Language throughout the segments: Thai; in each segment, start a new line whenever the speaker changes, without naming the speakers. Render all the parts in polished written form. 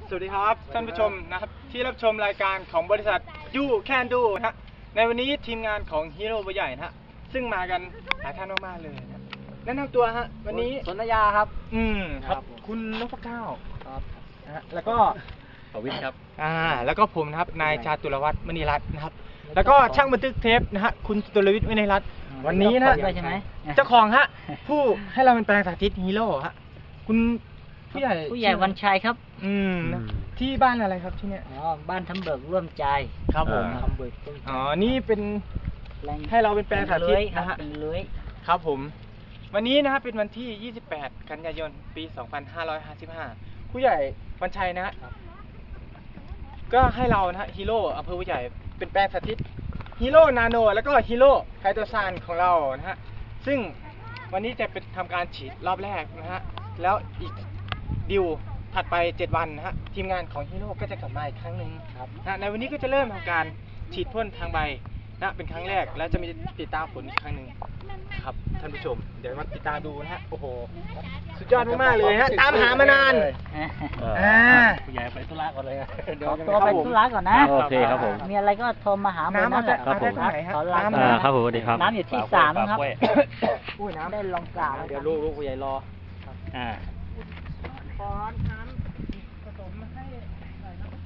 สวัสดีครับท่านผู้ชมนะครับที่รับชมรายการของบริษัทยูแคนดูนะฮะในวันนี้ทีมงานของฮีโร่ใหญ่นะฮะซึ่งมากันหลายท่านมากๆเลยนะแนะนำตัวฮะวันนี้
สนธยาครับ
ครับคุณนพเก้า
ครับ
นะฮะแล้วก็
ประวิทย์ครับ
แล้วก็ผมนะครับนายชาตุรวัฒน์มณีรัตน์นะครับแล้วก็ช่างบันทึกเทปนะฮะคุณตุลวิทย์วินัยรัตน์วันนี้นะเจ้าของฮะผู้ให้เราเป็นแปลงสาธิตฮีโร่ฮะคุณผู้ใหญ่
วันชัยครับ
ที่บ้านอะไรครับที่เนี้ย
บ้านทำเบิกร่วมใจ
ครับผม
ทำเบิก
นี่เป็นให้เราเป็นแปลงสาธิตนะฮะ
เป็นเลื้อย
ครับผมวันนี้นะฮะเป็นวันที่28กันยายนปี2555ผู้ใหญ่วันชัยนะฮะก็ให้เรานะฮะฮีโร่อำเภอผู้ใหญ่เป็นแปลงสาธิตฮีโร่นาโนแล้วก็ฮีโร่ไฮโดรซานของเรานะฮะซึ่งวันนี้จะเป็นทำการฉีดรอบแรกนะฮะแล้วอีกดิวถัดไป7วันนะฮะทีมงานของฮีโร่ก็จะกลับมาอีกครั้งหนึ่งนะในวันนี้ก็จะเริ่มทำการฉีดพ่นทางใบนะเป็นครั้งแรกแล้วจะมีติดตามผลอีกครั้งหนึ่งครับท่านผู้ชมเดี๋ยวมาติดตามดูนะฮะโอ้โหสุดยอดมากๆเลยฮะตามหามานาน
ผู้ใหญ่ไปธุระก่อนเลย
ตัวไปธุระก่อนนะ
โอเคครับผม
มีอะไรก็โทรมาหาผม
นั่นแหละครับผม
ครับผมสวัสดีครับ
น้ำอยู่ที่3ครับ
อุ้ยน้ำ
ได้ลองกล่าว
เดี๋ยวลูกผู้ใหญ่รอ
ขอน้ำผสมให้หน่อยนะ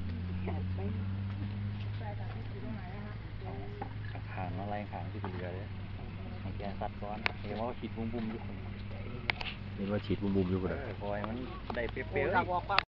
ขางอะไรขางที่เป็นเรือเลยแกสัตว์ก้อนเห็นว่าฉีดบุ้มๆอยู่คนเห็นว่าฉีดบุ้มๆอยู่คนคอยมันได้เปรี้ยว